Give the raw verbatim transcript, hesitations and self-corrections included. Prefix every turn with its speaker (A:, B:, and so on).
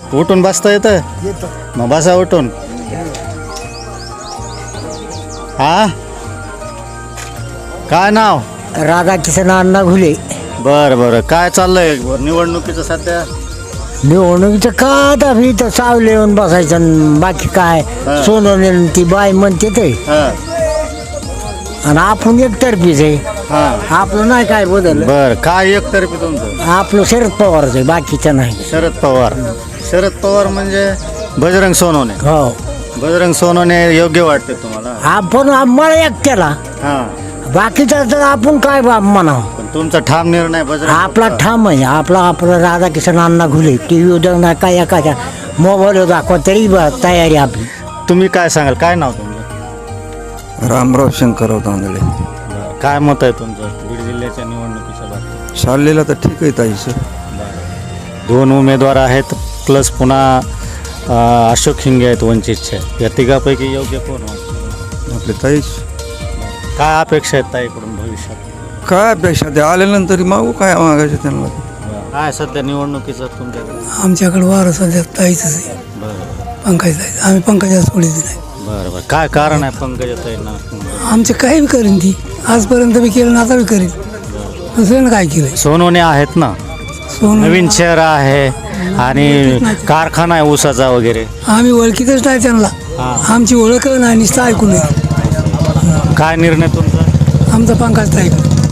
A: उठून बसता येतं मग बसा उठून. हा काय नाव?
B: राधाकिशन अण्णा घुले.
A: बरं बरं काय चाललंय निवडणुकीचं सध्या?
B: निवडणुकीचं का आता मी तर सावले येऊन बसायचं आणि बाकी काय
A: हा.
B: सोनवणे ती बाई म्हणते ते
A: हा
B: आणि आपण एकतर्फीच आहे.
A: हा
B: आपलं नाही काय बदल.
A: बर काय एकतर्फी तुमचं?
B: आपलं शरद पवारच आहे, बाकीचं नाही.
A: शरद पवार. शरद पवार म्हणजे बजरंग सोनवणे.
B: हो
A: बजरंग सोनवणे योग्य वाटते तुम्हाला?
B: आपण मला एकट्याला,
A: हा
B: बाकीचं तर आपण काय बा म्हणावं.
A: पण तुमचा ठाम निर्णय बजरंग
B: आपला ठाम आहे. आपला आपला राधाकिशन अण्णा घुले. टी व्ही उद्या नाही काय एखाद्या मोबाईलवर दाखवा तरी बा तयारी आपली.
A: तुम्ही काय सांगाल? काय नाव तुमचं?
C: रामराव शंकरराव तांदळे.
A: बरं. काय मत आहे तुमचं बीड जिल्ह्याच्या निवडणुकीच्या बाबतीत?
C: शाळेला तर ठीक आहे ताईचं.
A: दोन उमेदवार आहेत प्लस पुन्हा अं, अशोक हिंगे आहेत वंचितचे. या तिघापैकी योग्य कोण वाटतं?
C: आपले ताईच.
A: काय अपेक्षा आहेत ताईकडून भविष्यात?
C: काय अपेक्षा ते आल्यानंतर मागू काय मागायचं त्यांना.
A: काय सध्या निवडणुकीचं तुमच्याकडे?
D: आमच्याकडे वारं सध्या ताईच आहे.
A: बरं
D: पंकज ताई. आम्ही पंकजा सोडीच नाही.
A: बरं बरं काय कारण आहे पंकजाताईंना?
D: आमचे काही बी करीन ती. आजपर्यंत बी केलं ना आता बी करीन. दुसऱ्यानं काय केलं?
A: सोनवणे आहेत ना,
D: सोन
A: नवीन शहर आहे आणि कारखाना आहे ऊसाचा वगैरे.
D: आम्ही ओळखीतच नाही त्यांना.
A: हां.
D: आमची ओळख नाही नुसतं ऐकून आहे.
A: काय निर्णय तुमचा?
D: आमचा पंकज ताई.